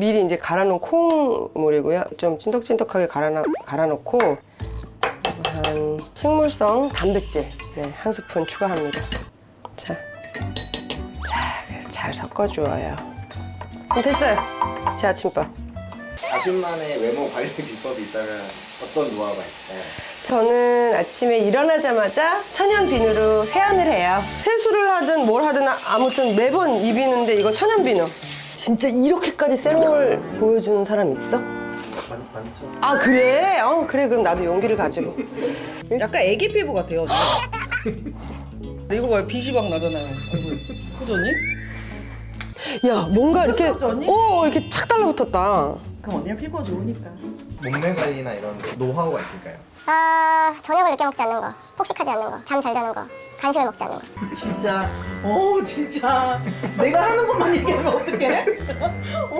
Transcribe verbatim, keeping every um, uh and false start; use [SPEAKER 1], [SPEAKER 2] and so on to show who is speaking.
[SPEAKER 1] 미리 이제 갈아놓은 콩물이고요. 좀 찐득찐득하게 갈아, 갈아놓고 한 식물성 단백질 네, 한 스푼 추가합니다. 자, 자, 그래서 잘 섞어주어요. 그럼 됐어요. 제 아침밥.
[SPEAKER 2] 자신만의 외모 관리 비법이 있다면 어떤 노하우가 있을까요?
[SPEAKER 1] 저는 아침에 일어나자마자 천연 비누로 세안을 해요. 세수를 하든 뭘 하든 아무튼 매번 입이는데 이거 천연 비누. 진짜 이렇게까지 세럼을 보여주는 사람 있어?
[SPEAKER 2] 많, 많죠.
[SPEAKER 1] 아 그래? 어 그래 그럼 나도 용기를 가지고.
[SPEAKER 3] 약간 애기 피부 같아요. 이거 봐요. 빛이 막 나잖아요. 그죠 언니?
[SPEAKER 1] 야 뭔가 이렇게
[SPEAKER 3] 언니?
[SPEAKER 1] 오 이렇게 착 달라붙었다.
[SPEAKER 3] 그럼 언니가 피부가 좋으니까.
[SPEAKER 2] 몸매 관리나 이런 노하우가 있을까요?
[SPEAKER 4] 아, 저녁을 늦게 먹지 않는 거, 폭식하지 않는 거, 잠 잘 자는 거, 간식을 먹지 않는 거.
[SPEAKER 3] 진짜 어 진짜 내가 하는 것만 얘기하면 어떡해?